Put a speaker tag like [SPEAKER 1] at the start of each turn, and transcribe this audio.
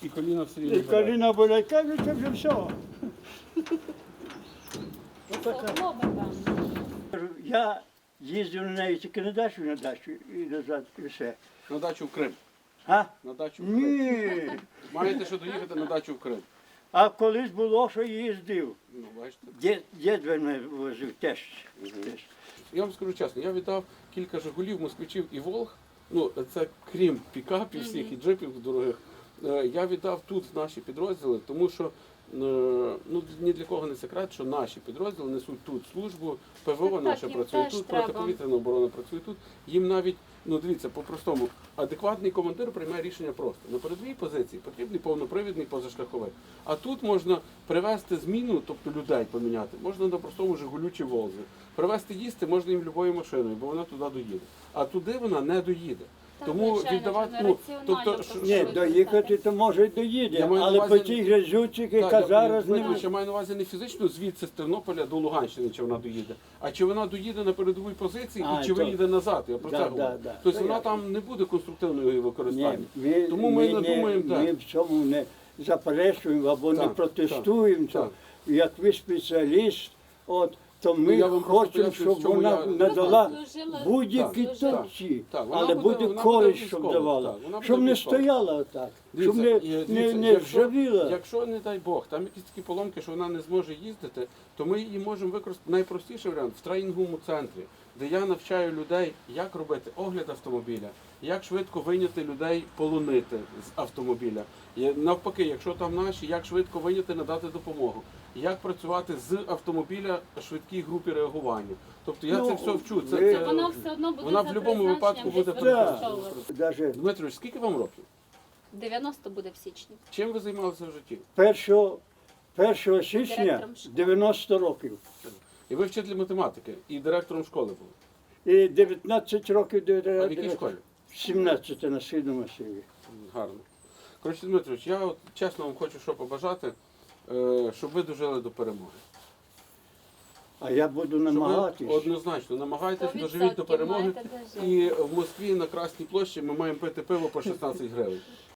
[SPEAKER 1] І коліна все
[SPEAKER 2] І
[SPEAKER 1] рівно болять.
[SPEAKER 2] коліна болять, кажуть, це вже все. Отака. Я їздив на неї тільки на дачу і назад, і все.
[SPEAKER 1] На дачу в Крим.
[SPEAKER 2] А?
[SPEAKER 1] На дачу в Крим.
[SPEAKER 2] Ні.
[SPEAKER 1] Маєте що доїхати на дачу в Крим.
[SPEAKER 2] А колись було, що їздив.
[SPEAKER 1] Ну, бачите.
[SPEAKER 2] Дід мене возив теж.
[SPEAKER 1] Я вам скажу чесно, я віддав кілька «Жигулів», «Москвичів» і «Волг». Ну, це крім пікапів всіх і джипів дорогих. Я віддав тут в наші підрозділи, тому що ну, ні для кого не секрет, що наші підрозділи несуть тут службу, ПВО
[SPEAKER 3] Так,
[SPEAKER 1] наша
[SPEAKER 3] їм
[SPEAKER 1] працює
[SPEAKER 3] теж
[SPEAKER 1] тут,
[SPEAKER 3] треба.
[SPEAKER 1] протиповітряна оборона працює тут. Їм навіть, ну дивіться, по-простому, адекватний командир приймає рішення просто. На передовій позиції потрібний повнопривідний позашляховик. А тут можна привезти зміну, тобто людей поміняти, можна на простому «Жигулю» чи «Волзі». Привезти їсти можна їм любою машиною, бо вона туди доїде. А туди вона не доїде. Тому
[SPEAKER 3] звичайно,
[SPEAKER 1] віддавати,
[SPEAKER 3] вже
[SPEAKER 1] ну,
[SPEAKER 3] раціонально
[SPEAKER 1] тобто,
[SPEAKER 3] просто.
[SPEAKER 2] Ні, доїхати то може й доїде,
[SPEAKER 1] Я маю на
[SPEAKER 2] але
[SPEAKER 1] увазі-
[SPEAKER 2] по тій грязюці, яка зараз не
[SPEAKER 1] я маю на увазі не фізично звідси з Тернополя до Луганщини, чи вона доїде, а чи вона доїде на передовій позиції
[SPEAKER 2] А,
[SPEAKER 1] і чи
[SPEAKER 2] то-
[SPEAKER 1] виїде назад. Я про
[SPEAKER 2] Да,
[SPEAKER 1] це
[SPEAKER 2] да,
[SPEAKER 1] говорю.
[SPEAKER 2] да.
[SPEAKER 1] Тобто
[SPEAKER 2] То
[SPEAKER 1] вона
[SPEAKER 2] ясно.
[SPEAKER 1] там не буде конструктивної
[SPEAKER 2] Ні,
[SPEAKER 1] використання. Тому ми не думаємо,
[SPEAKER 2] ми
[SPEAKER 1] так.
[SPEAKER 2] в цьому не заперечуємо або не
[SPEAKER 1] Так,
[SPEAKER 2] протестуємо.
[SPEAKER 1] так,
[SPEAKER 2] Як ви спеціаліст, то
[SPEAKER 1] Ну,
[SPEAKER 2] ми
[SPEAKER 1] я вам просто
[SPEAKER 2] хочемо,
[SPEAKER 1] поясню,
[SPEAKER 2] щоб
[SPEAKER 1] в чому
[SPEAKER 2] вона
[SPEAKER 1] я-
[SPEAKER 2] надала
[SPEAKER 3] Служила-
[SPEAKER 2] будь-які
[SPEAKER 3] Так,
[SPEAKER 2] толчі,
[SPEAKER 1] так, вона
[SPEAKER 2] але
[SPEAKER 1] буде-
[SPEAKER 2] буде
[SPEAKER 1] вона
[SPEAKER 2] користь,
[SPEAKER 1] буде
[SPEAKER 2] щоб
[SPEAKER 1] військова,
[SPEAKER 2] давала,
[SPEAKER 1] так, вона
[SPEAKER 2] щоб
[SPEAKER 1] буде
[SPEAKER 2] не
[SPEAKER 1] військова.
[SPEAKER 2] стояла отак, щоб
[SPEAKER 1] Дивіться,
[SPEAKER 2] не
[SPEAKER 1] якщо-
[SPEAKER 2] ржавіла.
[SPEAKER 1] Якщо, не дай Бог, там якісь такі поломки, що вона не зможе їздити, то ми її можемо використати. Найпростіший варіант в тренінговому центрі, де я навчаю людей, як робити огляд автомобіля, як швидко вийняти людей, полонити з автомобіля. І навпаки, якщо там наші, як швидко вийняти, надати допомогу. Як працювати з автомобіля швидкій групі реагування. Тобто я
[SPEAKER 2] Ну,
[SPEAKER 1] це все вчу.
[SPEAKER 2] ви-
[SPEAKER 3] Воно все одно буде
[SPEAKER 1] Вона в
[SPEAKER 3] за
[SPEAKER 1] будь-якому випадку
[SPEAKER 3] призначенням
[SPEAKER 1] буде
[SPEAKER 3] використовуватися.
[SPEAKER 2] Даже
[SPEAKER 1] Дмитрович, скільки вам років?
[SPEAKER 3] 90 буде в січні.
[SPEAKER 1] Чим ви займалися в житті?
[SPEAKER 2] 1 січня
[SPEAKER 3] Директором школи.
[SPEAKER 2] 90 років.
[SPEAKER 1] І ви вчитель математики, і директором школи були.
[SPEAKER 2] І 19 років до
[SPEAKER 1] А в якій школі?
[SPEAKER 2] 17 на Східному масиві.
[SPEAKER 1] Гарно. Коротше, Дмитрович, я от чесно вам хочу що побажати, щоб ви дожили до перемоги.
[SPEAKER 2] А я буду
[SPEAKER 1] Щоб ви
[SPEAKER 2] намагатись.
[SPEAKER 1] однозначно намагайтесь,
[SPEAKER 3] 100%
[SPEAKER 1] доживіть до перемоги.
[SPEAKER 3] маєте дожити.
[SPEAKER 1] І в Москві на Красній площі ми маємо пити пиво по 16 гривень.